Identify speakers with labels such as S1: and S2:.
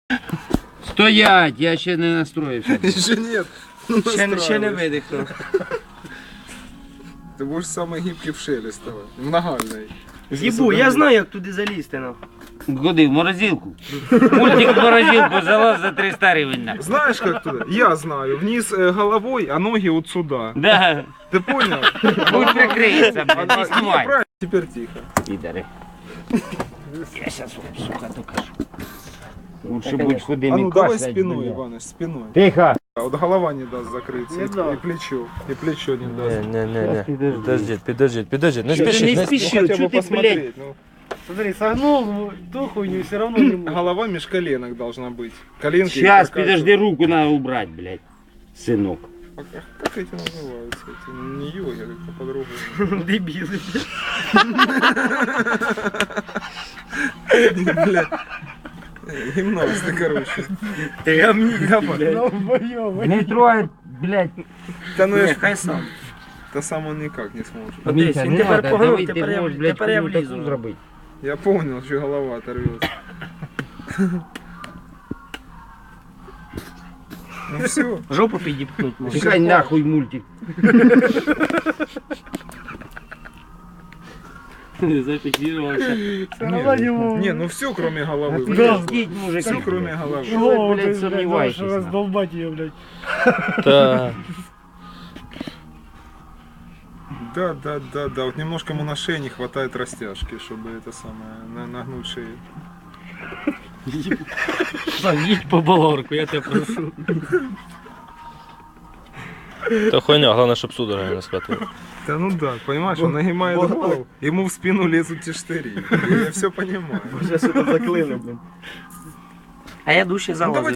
S1: Стоять, я ще не настроївся.
S2: Еще нет. Ну,
S3: Ще не
S2: настраивай.
S3: видихнув.
S2: Ты будешь самый гибкий в Шелестовой. В Нагальной.
S3: Їбу, я знаю, як туди залізти, нахуй.
S1: Куди? В морозилку. Мультик в морозилку залаз за 300 гривень. нахуй.
S2: Знаешь, как туда? Я знаю. Вниз головой, а ноги вот сюда.
S1: Да.
S2: Ты понял?
S1: Будь прикриється, блядь, не
S2: Не,
S1: знімай.
S2: правильно. Теперь тихо.
S1: Підари. Я сейчас вам, сука, докажу. Лучше будь худым
S2: А
S1: и
S2: ну давай
S1: кашлять,
S2: спиной,
S1: блядь.
S2: Иваныч, спиной.
S1: Тихо.
S2: А вот голова не даст закрыться.
S3: Не
S2: И,
S3: даст.
S2: и плечо. И плечо не даст.
S4: Не. Подожди. Не
S3: Ти
S4: спіши,
S3: не
S4: не спіши.
S3: спіши,
S2: Хотя бы
S3: чого ти, блядь?
S2: посмотреть. Ну,
S3: Смотри, согнул, ну, ту хуйню все равно не можешь.
S2: голова меж коленок должна быть. Коленки.
S1: Сейчас,
S2: как-
S1: подожди, руку надо убрать, блядь. Сынок.
S2: Как эти называются? Эти не йоги, а как-то по-другому.
S3: Дебіли.
S2: Блядь. Гимнасты, короче.
S3: Ти гамні,
S1: Не трогай, блядь.
S2: Да ну я ж...
S3: хай сам.
S2: Да сам он никак не сможет.
S3: Подивись,
S1: Митя,
S3: він
S1: не
S3: тепер
S1: надо,
S3: погнув,
S1: давай,
S3: тепер
S1: ти
S3: я-
S1: можеш, блядь,
S3: тепер я
S1: хуйню таку
S3: влізу.
S1: зробити.
S2: Я понял, что голова оторвется. Ну все.
S3: Жопу підіпхнуть може.
S1: Чекай нахуй мультик.
S3: Зафіксувався.
S2: Не, ну все, кроме головы.
S1: Подождіть, мужик.
S2: Все, кроме головы.
S1: Що ви, блядь, сумніваєтесь? нахуй?
S3: Раздолбать ее, блядь.
S4: Та.
S2: Да. Вот немножко ему на шее не хватает растяжки, чтобы это самое, нагнуть шею.
S3: Їдь по балорку, я тебе прошу.
S4: Та хуйня, головне, щоб судорога не схватила.
S2: Да ну да, понимаешь, он нагибает голову, ему в спину лезут те штыри. Я все понимаю.
S3: Вже сюди заклину, блін. А я дужче
S2: Ну, давай
S3: залазив.